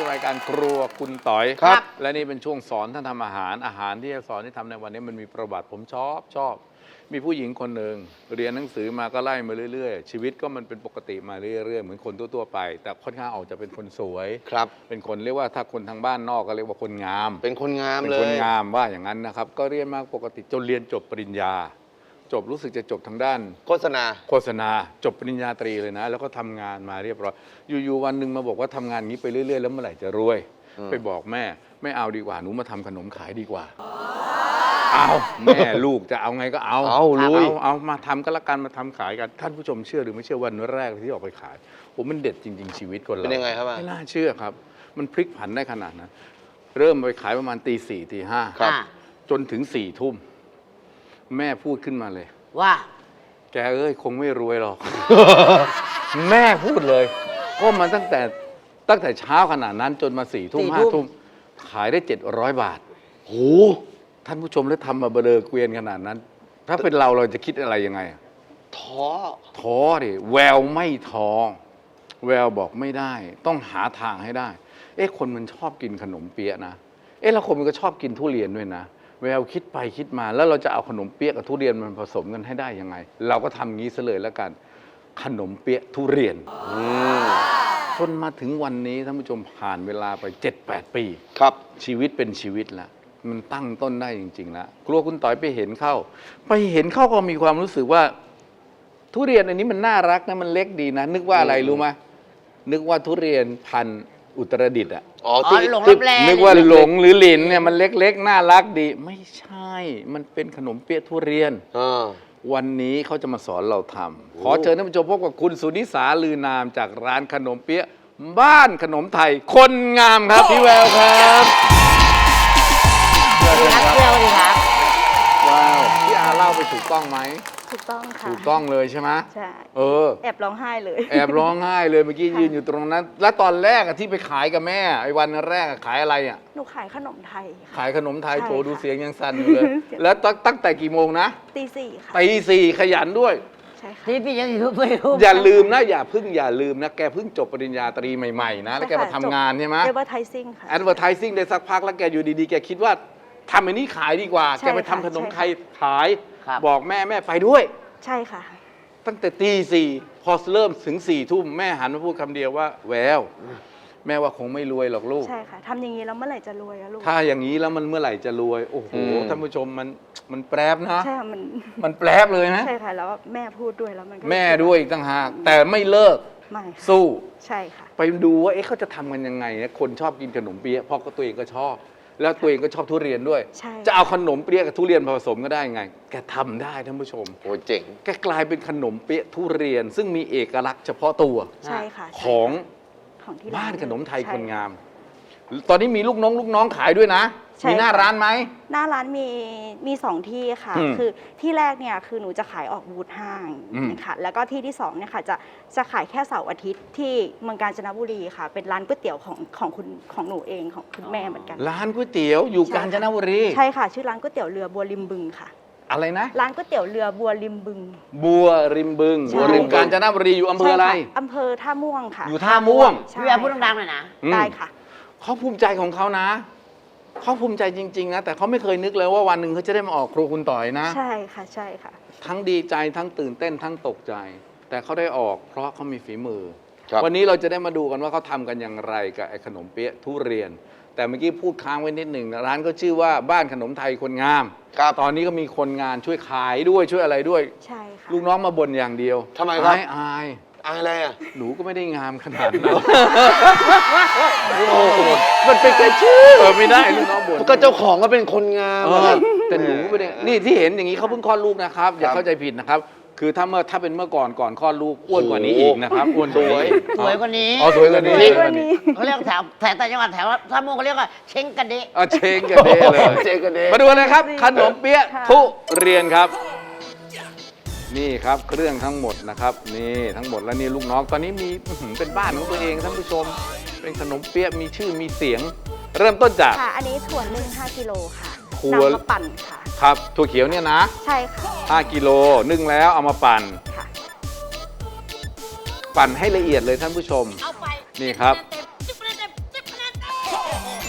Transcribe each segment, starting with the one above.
สู่รายการครัวคุณต่อยครับและนี่เป็นช่วงสอนท่านทำอาหารที่จะสอนที่ทำในวันนี้มันมีประวัติผมชอบมีผู้หญิงคนหนึ่งเรียนหนังสือมาก็ไล่มาเรื่อยๆชีวิตก็มันเป็นปกติมาเรื่อยๆเหมือนคนทั่วๆไปแต่ค่อนข้างออกจะเป็นคนสวยครับเป็นคนเรียกว่าถ้าคนทางบ้านนอกก็เรียกว่าคนงามเป็นคนงามเป็นเลคนยงามว่าอย่างนั้นนะครับก็เรียนมาปกติจนเรียนจบปริญญาจบรู้สึกจะจบทางด้านโฆษณาโฆษณาจบปริญญาตรีเลยนะ แล้วก็ทำงานมาเรียบร้อยอยู่ๆวันหนึ่งมาบอกว่าทำงานอย่างนี้ไปเรื่อยๆแล้วเมื่อไหร่จะรวย ไปบอกแม่ไม่เอาดีกว่าหนูมาทำขนมขายดีกว่าเอาแม่ลูกจะเอาไงก็เอาเอาลุยเอามาทำก็แล้วกันมาทำขายกันท่านผู้ชมเชื่อหรือไม่เชื่อวันแรกที่ออกไปขายผมมันเด็ดจริง ๆชีวิตคนเราเป็นยังไงครับไม่น่าเชื่อครับ มันพลิกผันได้ขนาดนั้นเริ่มไปขายประมาณตี 4 ตี 5 ครับจนถึง4 ทุ่มแม่พูดขึ้นมาเลยว่าแกเอ้ยคงไม่รวยหรอก แม่พูดเลยก็มาตั้งแต่เช้าขนาดนั้นจนมา4 ทุ่ม 5 ทุ่มขายได้700 บาทโหท่านผู้ชมแล้วทำมาเบลอเกวียนขนาดนั้น ถ้าเป็นเราจะคิดอะไรยังไงท้อท้อดิแววไม่ท้อแววบอกไม่ได้ ต้องหาทางให้ได้ คนมันชอบกินขนมเปี๊ยะนะแล้วคนมันก็ชอบกินทุเรียนด้วยนะแววคิดไปคิดมาแล้วเราจะเอาขนมเปี๊ยะกับทุเรียนมันผสมกันให้ได้ยังไง เราก็ทำงี้ซะเลยแล้วกันขนมเปี๊ยะทุเรียนจนมาถึงวันนี้ท่านผู้ชมผ่านเวลาไป 7-8 ปีครับชีวิตเป็นชีวิตแล้วมันตั้งต้นได้จริงๆแล้วครัวคุณต่อยไปเห็นเข้าก็มีความรู้สึกว่า ทุเรียนอันนี้มันน่ารักนะมันเล็กดีนะ นึกว่าอะไรรู้ไหมนึกว่าทุเรียนพันธุ์อุตรดิตถ์อ่ะอ๋ออ๋อที่หลงที่รับแลนึกว่าหลงหรือหลินเนี่ยมันเล็กๆน่ารักดี ไม่ใช่ มันเป็นขนมเปี๊ยะทุเรียน วันนี้เขาจะมาสอนเราทำขอเชิญท่านผู้ชมพบกับคุณสุนิสาลือนามจากร้านขนมเปี๊ยะบ้านขนมไทยคนงามครับพี่แววครับสวัสดีครับเพื่อนสวัสดีครับว้าวพี่อาเล่าไปถูกต้องไหมถูกต้องค่ะถูกต้องเลยใช่ไหมใช่ แอบร้องไห้เลยแอบร้องไห้เลยเมื่อกี้ยืนอยู่ตรงนั้น แล้วตอนแรกที่ไปขายกับแม่ไอ้วันแรกขายอะไรอ่ะหนูขายขนมไทยค่ะขายขนมไทยใช่โถดูค่ะเสียงยังสั่นอยู่เลย แล้วตั้งแต่กี่โมงนะตี 4 ค่ะตี 4ขยันด้วยใช่ค่ะที่พี่ยังอยู่ไม่รู้อย่าลืมนะอย่าลืมนะแกเพิ่งจบปริญญาตรีใหม่ๆนะแล้วแกมาทำงานใช่ไหมเรียกว่าไทซิ่งค่ะ Advertising ได้สักพักแล้วแกอยู่ดีๆแกคิดว่าทำอันนี้ขายดีกว่าใช่แกไปทำค่ะขนมใช่ไทยค่ะขายครับบอกแม่ไปด้วยใช่ค่ะตั้งแต่ตี 4พอเริ่มถึง4 ทุ่มแม่หันมาพูดคำเดียวว่าแววแม่ว่าคงไม่รวยหรอกลูกใช่ค่ะทำอย่างนี้แล้วเมื่อไหร่จะรวยอะลูกถ้าอย่างนี้แล้วมันเมื่อไหร่จะรวย โอ้โหท่านผู้ชมมันแปรบนะใช่ค่ะมันแปรบเลยนะใช่ค่ะแล้วแม่พูดด้วยแล้วมันก็แม่ด้วยอีกต่างหากแต่ไม่เลิกไม่ค่ะสู้ใช่ค่ะไปดูว่าเขาจะทำกันยังไงนะคนชอบกินขนมเปี๊ยะเพราะก็ตัวเองก็ชอบ แล้วตัวเองก็ชอบทุเรียนด้วยใช่จะเอาขนมเปี๊ยะกับทุเรียนผสมก็ได้ไง แกทำได้ท่านผู้ชมโอ้เจ๋งแกกลายเป็นขนมเปี๊ยะทุเรียน ซึ่งมีเอกลักษณ์เฉพาะตัวใช่ค่ะของของที่บ้านขนมไทยใช่คนงาม ตอนนี้มีลูกน้องขายด้วยนะใช่มีหน้าค่ะร้านไหมหน้าร้านมี2ที่ค่ะ คือที่แรกเนี่ยคือหนูจะขายออกบูธห้างค่ะแล้วก็ที่ที่2เนี่ยค่ะจะขายแค่เสาร์อาทิตย์ที่เมืองกาญจนบุรีค่ะ เป็นร้านก๋วยเตี๋ยวของหนูเองของคุณแม่เหมือนกันร้านก๋วยเตี๋ยวอยู่ใช่กาญจนบุรีใช่ค่ะ ชื่อร้านก๋วยเตี๋ยวเรือบัวริมบึงค่ะอะไรนะร้านก๋วยเตี๋ยวเรือบัวริมบึงบัวริมบึงใช่บัวริมกาญจนบุรีอยู่อำเภออะไรใช่ค่ะอำเภอท่าม่วงค่ะอยู่ท่าม่วงใช่พี่แววพูดดังๆหน่อยนะได้ค่ะเขาภูมิใจของเขานะเขาภูมิใจจริงๆนะแต่เขาไม่เคยนึกเลยว่าวันหนึ่งเขาจะได้มาออกครัวคุณต่อยนะใช่ค่ะใช่ค่ะทั้งดีใจทั้งตื่นเต้นทั้งตกใจ แต่เขาได้ออกเพราะเขามีฝีมือครับวันนี้เราจะได้มาดูกันว่าเขาทำกันอย่างไรกับไอ้ขนมเปี๊ยะทุเรียน แต่เมื่อกี้พูดค้างไว้นิดหนึ่งนะร้านก็ชื่อว่าบ้านขนมไทยคนงามครับตอนนี้ก็มีคนงานช่วยขายด้วยช่วยอะไรด้วยใช่ค่ะลูกน้องมาบ่นอย่างเดียวทำไมครับอายอะไรอ่ะหนูก็ไม่ได้งามขนาดนั้นมันเป็นแค่ชื่อไม่ได้ลูกน้องบ่นก็เจ้าของก็เป็นคนงามเออะอครับแต่หนูไม่ได้นี่ที่เห็นอย่างนี้เขาเพิ่งคลอดลูกนะครับ อย่าเข้าใจผิดนะครับ คือถ้าเป็นเมื่อก่อนคลอดลูกอ้วนกว่านี้อีกนะครับอ้วนกว่านี้สวยกว่านี้อ๋อสวยกว่านี้สวยกว่านี้เขาเรียกแถวต่างจังหวัดแถวท่าม่วงเขาเรียกว่าเช้งกระเดะเอาเชงกันเด้เลยเจกันเด้มาดูเลยครับขนมเปี๊ยะค่ะทุเรียนครับ นี่ครับเครื่องทั้งหมดนะครับนี่ทั้งหมดแล้วนี่ลูกน้องตอนนี้มีเป็นบ้านของตัวเองท่านผู้ชม เป็นขนมเปี๊ยะมีชื่อมีเสียง เริ่มต้นจากค่ะ อันนี้ถั่วนึ่ง5 กิโลค่ะถั่วนำมาปั่นค่ะครับถั่วเขียวเนี่ยนะใช่ค่ะ 5 กิโลนึ่งแล้วเอามาปั่นค่ะปั่นให้ละเอียดเลยท่านผู้ชมเอาไปนี่ครับ 10 คะแนนเต็ม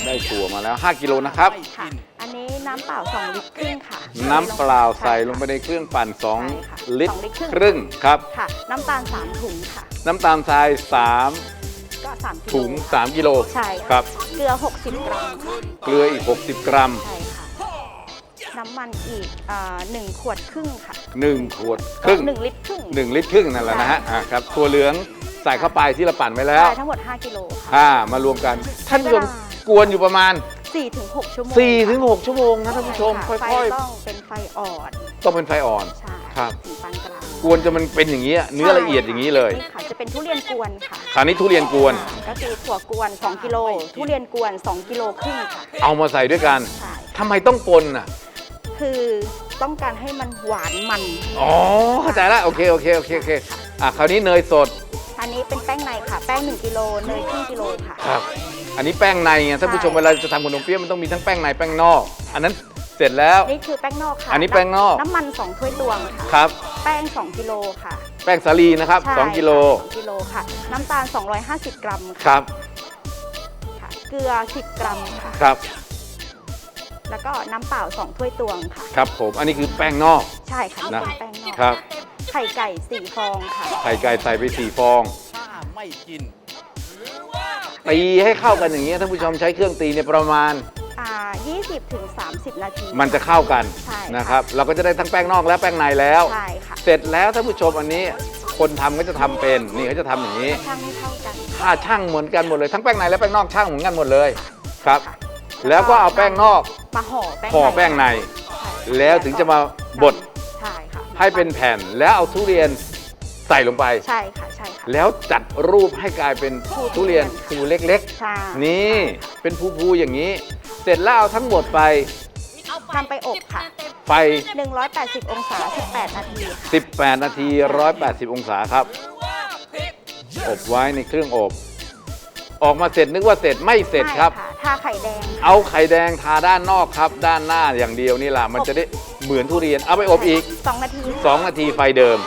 ได้ถั่วมาแล้ว 5 กิโลนะครับค่ะ อันนี้น้ำเปล่า2 ลิตรครึ่งค่ะน้ำเปล่าใส่ลงไปในเครื่องปั่นใช่ค่ะ 2 ลิตร 2 ลิตรครึ่งครับค่ะ น้ำตาล3 ถุงค่ะน้ำตาลทรายก็3 3 ถุง 3 กิโลใช่ครับเกลือ 60 กรัมค่ะเกลืออีก 60 กรัมใช่ค่ะ น้ำมันอีก1 ขวดครึ่งค่ะ 1 ขวดครึ่ง 1 ลิตรครึ่ง 1 ลิตรครึ่งนั่นแหละนะฮะครับถั่วเหลืองใส่เข้าไปที่เราปั่นไว้แล้วใช่ทั้งหมด 5 กิโลค่ะมารวมกัน ท่านผู้ชมกวนอยู่ประมาณ 4-6 ชั่วโมง 4-6 ชั่วโมงนะท่านผู้ชมใค่อยไฟต้องเป็นไฟอ่อนๆ ต้องเป็นไฟอ่อนใช่ครับถึงปานกลางกวนจนมันเป็นอย่างนี้เนื้อละเอียดอย่างนี้เลยนี่ค่ะจะเป็นทุเรียนกวนค่ะคราวนี้ทุเรียนกวนก็คือถั่วกวน 2 กิโล ทุเรียนกวน 2 กิโลครึ่งค่ะเอามาใส่ด้วยกันใช่ทำไมต้องปนอ่ะคือต้องการให้มันหวานมันอ๋อเข้าใจแล้วโอเคคราวนี้เนยสดอันนี้เป็นแป้งในค่ะ แป้ง 1 กิโล เนยครึ่งกิโลค่ะครับ อันนี้แป้งในไงท่านผู้ชมใช่เวลาจะทำขนมเปี๊ยะมันต้องมีทั้งแป้งในแป้งนอก อันนั้นเสร็จแล้วนี่คือแป้งนอกค่ะอันนี้แป้งนอกน้ำมัน2 ถ้วยตวงค่ะครับแป้ง 2 กิโลค่ะแป้งสาลีนะครับใช่ 2 กิโลค่ะ2 กิโลค่ะ น้ำตาล 250 กรัมคค่ะรับค่ะ เกลือ 10 กรัมค่ะครับแล้วก็น้ำเปล่า 2 ถ้วยตวงค่ะครับผมอันนี้คือแป้งนอกใช่ค่ะนี่นะเป็นแป้งนอกครับไข่ไก่4 ฟองค่ะไข่ไก่ใส่ไป4 ฟองถ้าไม่กินตีให้เข้ากันอย่างนี้ยท่านผู้ชมใช้เครื่องตีเนี่ยประมาณ 20 ถึง 30 นาทีมันจะเข้ากันใช่ค่ะนะครับ เราก็จะได้ทั้งแป้งนอกและแป้งในแล้วใช่ค่ะเสร็จแล้วท่านผู้ชมอันนี้คนทำก็จะทำเป็นนี่เขาจะทำอย่างนี้ช่างให้เข้ากันถ้าช่างเหมือนกันหมดเลยทั้งแป้งในและแป้งนอกช่างเหมือนกันหมดเลยครับค่ะแล้วก็เอาแป้งนอกมาห่อแป้งห่อแป้งในใช่ค่ะแล้วถึงจะมาบดใช่ค่ะให้เป็นแผ่นแล้วเอาทุเรียนใส่ลงไปใช่ค่ะใช่ค่ะแล้วจัดรูปให้กลายเป็นทุเรียนภูเล็กใช่ๆ นี่เป็นภูๆอย่างนี้ เสร็จแล้วเอาทั้งหมดไปนำไปอบค่ะไฟ 180 องศา 18 นาทีค่ะ 18 นาที 180 องศาครับ อบไว้ในเครื่องอบ ออกมาเสร็จนึกว่าเสร็จไม่เสร็จครับใช่ะทาไข่แดงค่ะเอาไข่แดงทาด้านนอกครับ ด้านหน้าอย่างเดียวนี่แหละมันจะได้เหมือนทุเรียนเอาไปอบอีก 2 นาที 2 นาทีไฟเดิม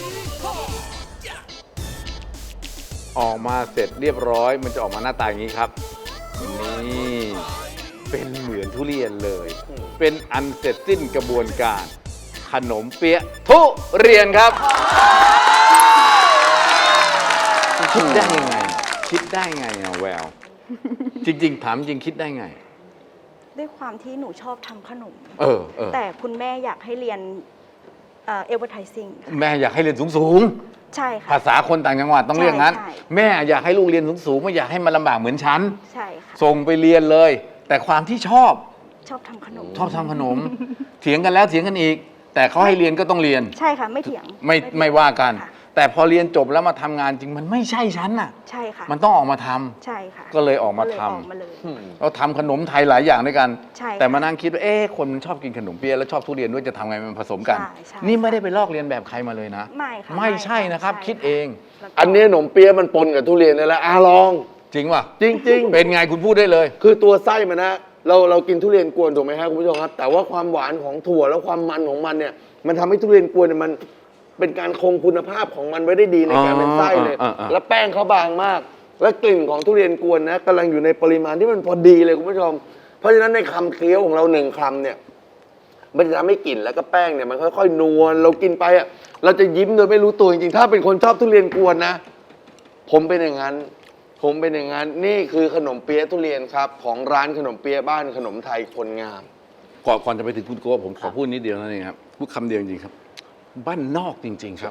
ออกมาเสร็จเรียบร้อย มันจะออกมาหน้าตาอย่างนี้ครับ นี่เป็นเหมือนทุเรียนเลย เป็นอันเสร็จสิ้นกระบวนการ ขนมเปี๊ยะทุเรียนครับ คิดได้ยังไง คิดได้ไงอะแวว จริง ๆ ถามจริงคิดได้ไงด้วยความที่หนูชอบทำขนมเออแต่คุณแม่อยากให้เรียนเอเวอร์ไทซิ่งแม่อยากให้เรียนสูงใช่ๆค่ะภาษาคนต่างจังหวัดต้องเรียกงั้นใช่แม่อยากให้ลูกเรียนสูงๆไม่อยากให้มันลำบากเหมือนฉันใช่ค่ะส่งไปเรียนเลย แต่ความที่ชอบชอบทำขนมชอบทำขนม เถียงกันแล้วเถียงกันอีก แต่เขาให้เรียนก็ต้องเรียนใช่ค่ะไม่เถียงไม่ว่ากันค่ะแต่พอเรียนจบแล้วมาทำงานจริงมันไม่ใช่ฉันน่ะใช่ค่ะมันต้องออกมาทำใช่ค่ะก็เลยออกมาก็เลยทำออกมาเลยเราทำขนมไทยหลายอย่างด้วยกันใช่ค่ะแต่มานั่งคิดว่าคนมันชอบกินขนมเปี๊ยะแล้วชอบทุเรียนด้วยจะทำไงมันผสมกันใช่นี่ไม่ได้ไปลอกเรียนแบบใครมาเลยนะไม่ค่ะไม่ใช่นะครับใช่คิดเองแล้วก็อันนี้ขนมเปี๊ยะมันปนกับทุเรียนนี่แหละลองจริงป่ะจริง ๆเป็นไงคุณพูดได้เลยคือตัวไส้มันนะเรากินทุเรียนกวนถูกไหมครับคุณผู้ชมครับ แต่ว่าความหวานของถั่วแล้วความมันของมันเนี่ยมันทำให้ทุเรียนกวนเนี่ยมันเป็นการคงคุณภาพของมันไว้ได้ดีในการเป็นไส้เลย แล้วแป้งเขาบางมาก และกลิ่นของทุเรียนกวนนะกำลังอยู่ในปริมาณที่มันพอดีเลยคุณผู้ชม เพราะฉะนั้นในคำเคี้ยวของเรา1 คำเนี่ยมันจะทำให้กลิ่นแล้วก็แป้งเนี่ยมันค่อยๆนวลเรากินไปอ่ะเราจะยิ้มโดยไม่รู้ตัวจริงๆถ้าเป็นคนชอบทุเรียนกวนนะผมเป็นอย่างนั้น นี่คือขนมเปี๊ยะทุเรียนครับของร้านขนมเปี๊ยะบ้านขนมไทยคนงามก่อนจะไปถึงคุณโก้ผมขอพูดนิดเดียวนั่นเองครับพูดคำเดียวจริงๆครับ บ้านนอกจริง ๆ ครับ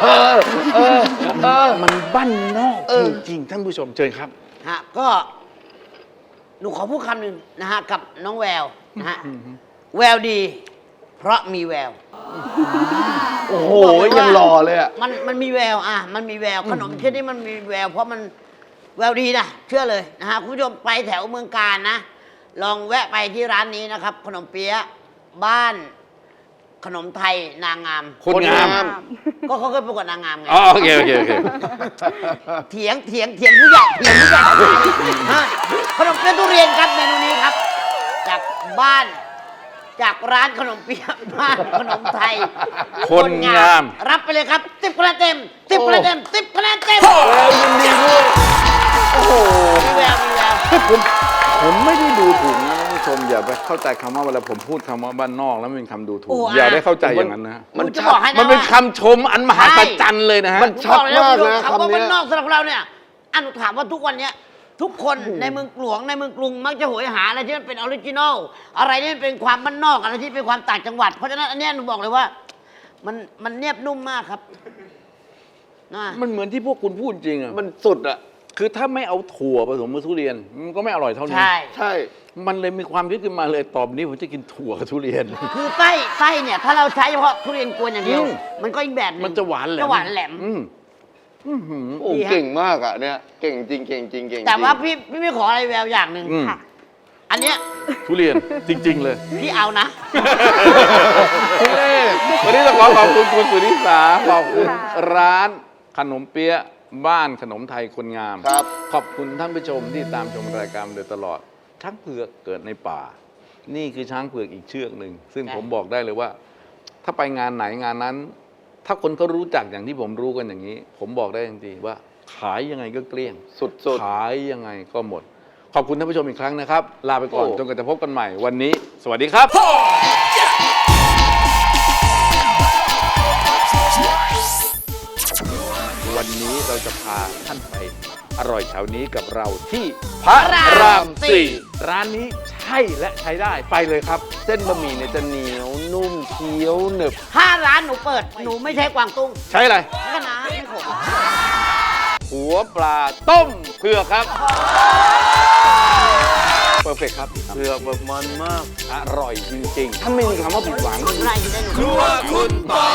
มันบ้านนอกจริงๆท่านผู้ชมเชิญครับฮะก็หนูขอพูดคำหนึ่งนะฮะกับน้องแววนะฮะแววดี เพราะมีแววโอ้โหยังหล่อเลยอ่ะมันมีแววมันมีแววขนมชนิดนี้มันมีแวว เพราะมันแววดีนะเชื่อเลยนะฮะคุณผู้ชมไปแถวเมืองการนะ ลองแวะไปที่ร้านนี้นะครับ ขนมเปี๊ยะบ้านขนมไทยนางงามคนงามก็เขาเคยประกวดนางงามไงอ๋อโอเคเถียงผู้ใหญ่ฮะขนมเปี๊ยะทุเรียนครับเมนูนี้ครับ จากบ้านจากร้านขนมเปี๊ยะบ้านขนมไทยคนงามรับไปเลยครับ10 คะแนนเต็ม10 คะแนนเต็ม10 คะแนนเต็มยินดีด้วย โอ้โหมีแววผมไม่ได้าไปเข้าใจคำว่าเวลาผมพูดคำว่าบ้านนอกแล้วมันเป็นคำดูถูกโอ้อย่าได้เข้าใจอย่างนั้นนะมันจะบอกให้นะมันเป็นว่าคำชมอันมหัศจรรย์เลยนะฮะมันชัดมากนะคำว่าคำบ้าเนี้นยนอกสำหรับเราเนี่ยอันถามว่าทุกวันเนี้ยทุกคนในเมืองหลวงในเมืองกรุงมักจะโหยหาอะไรที่มันเป็นออริจินอลอะไรที่มันเป็นความบ้านนอกอะไรที่เป็นความต่างจังหวัดเพราะฉะนั้นอันเนี้ยหนูบอกเลยว่า มันเนียบนุ่มมากครับนะมันเหมือนที่พวกคุณพูดจริงอ่ะมันสุดอ่ะคือถ้าไม่เอาถั่วผสมกับทุเรียนมันก็ไม่อร่อยเท่านี้ใช่ใช่มันเลยมีความคิดขึ้นมาเลยตอบนี้ผมจะกินถั่วกับทุเรียนคือไส้เนี่ยถ้าเราใช้เฉพาะทุเรียนกวนอย่างเดียว มันก็อีกแบบหนึงมันจะหวานแหลมจะหวานแหลมโอ้ดีฮะเก่งมากอ่ะเนี่ยเก่งจริงเก่งจริงเก่งจริงแต่ว่าพี่ไม่ขออะไรแววอย่างหนึ่งอืมค่ะอันเนี้ยทุเรียนจริง ๆ เลยพี่เอานะวันนี้ต้องขอขอบคุณคุณสุนิสาขอบคุณค่ะร้านขนมเปี๊ยะบ้านขนมไทยคนงามครับขอบคุณท่านผู้ชมที่ตามชมรายการมาโดยตลอด ช้างเผือกเกิดในป่า นี่คือช้างเผือกอีกเชือกหนึ่ง ซึ่งใช่ผมบอกได้เลยว่า ถ้าไปงานไหนงานนั้น ถ้าคนเขารู้จักอย่างที่ผมรู้กันอย่างนี้ ผมบอกได้จริงๆว่า ขายยังไงก็เกลี้ยงสุดขายยังไงก็หมด ขอบคุณท่านผู้ชมอีกครั้งนะครับ ลาไปก่อนโอ้จนกว่าจะพบกันใหม่วันนี้ สวัสดีครับ วันนี้เราจะพาท่านไปอร่อยแถวนี้กับเราที่พระรามสี่ร้านนี้ใช่และใช้ได้ไปเลยครับๆเส้นบะหมี่เนี่ยจะเหนียวนุ่มเคี้ยวหนึบถ้าร้านหนูเปิดหนูไม่ใช้กวางตุ้งใช้อะไรแล้วก็น้ำไม่ขมหัวปลาต้มเผือกครับเพอร์เฟกครับเผือกแบบมันมากอร่อยจริงๆ ถ้าไม่มีคำว่าผิดหวังอะไรที่ได้หนูครัวคุณต่อ